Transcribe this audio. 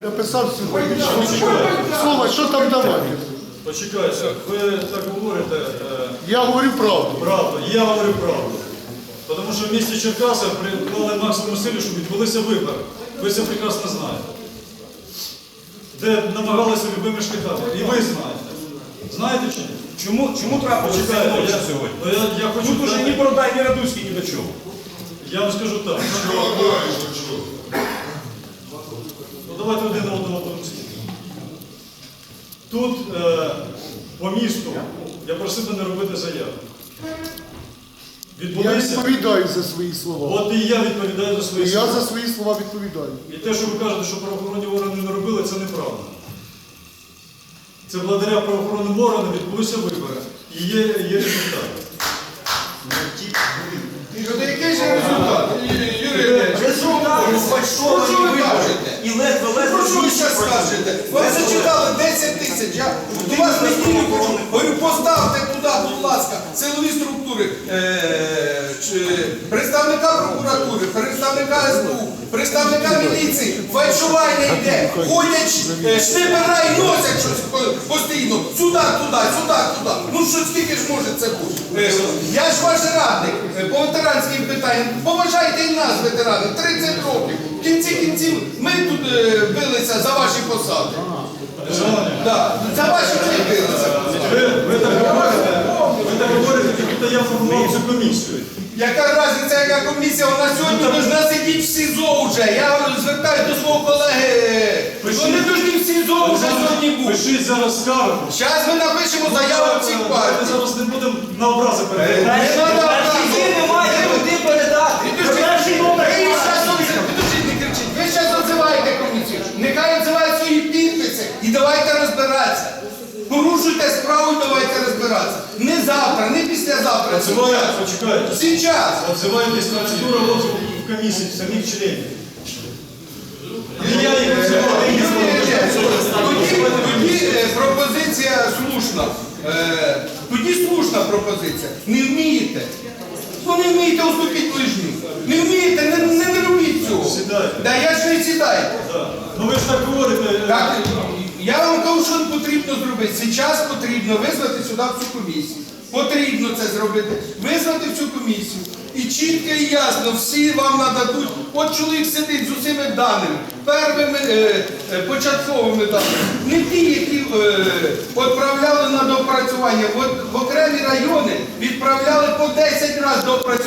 Написав сьогодні. Слово, що там давати? Почекайте, ви так говорите. Я говорю правду. Правду, і я говорю правду. Тому що в місті Черкаси приклали максимум зусиль, щоб відбулися вибори. Ви це прекрасно знаєте. Де намагалися любими шляхами. І ви знаєте. Знаєте чи ні? Чому трапилося це ночі сьогодні? Тут уже ні Бородай, ні Радуцький, ні до чого. Я вам скажу так. Ну давайте один на одного помстити. Тут по місту я просив би не робити заяви. Я Відбулися. відповідаю за свої слова. От і я відповідаю за свої І слова. я за свої слова відповідаю. І те, що ви кажете, що правоохоронні органи не робили, це неправда. Це благодаря правоохоронним органам відбулися вибори. І є результат. Який же результат? Результат фальшовані вибори. І ледве Про що ви зараз скажете? Ви зачитали 10 тисяч. Я до вас не тільки хочу. Говорю, поставте туди, будь ласка, силові структури, представника прокуратури, представника СБУ, представника міліції. Фальшування йде. Ходять шнипера і носять щось постійно. Сюди, туди, сюди, туди. Ну що скільки ж може це бути? Я ж ваш радник по ветеранським питанням. Поважайте і нас, ветерани, 30 років. В кінці кінців ми тут билися за ваші посади. За ваші ми билися. Ви так говорите, тільки я формував цю комісію. Яка різниця, яка комісія? Вона сьогодні повинна сидіти в СІЗО вже. Я звертаюся до свого колеги. Вони повинні в СІЗО вже сьогодні бути. Пишіть зараз скаргу. Зараз ми напишемо заяву всіх Ми партій. зараз не будемо на образи передавати. Не треба Ви не маєте куди передати. Підождіть, не кричіть. Ви зараз відзиваєте комісію. Нехай відзивають свої підписи і давайте розбиратися. Порушуйте справу і давайте розбиратися. Не завтра, не післязавтра. Почекайте. Сейчас. Отзиваєтесь процедура розгляду в комісії самих членів. І я їх Тоді пропозиція слушна. Тоді слушна пропозиція. Не вмієте. Ну не вмієте уступити ближню. Не вмієте, не робіть цього. Сідайте. Да, я ж не сідаю. Ну ви ж так говорите. Так, я вам кажу, що потрібно зробити. Зараз потрібно визвати сюди цю комісію. Потрібно це зробити. Визвати в цю комісію. І чітко і ясно, всі вам нададуть. От чоловік сидить з усіма даними, первими початковими даними. Не ті, які відправляли на доопрацювання. От в окремі райони відправляли по 10 разів доопрацювання.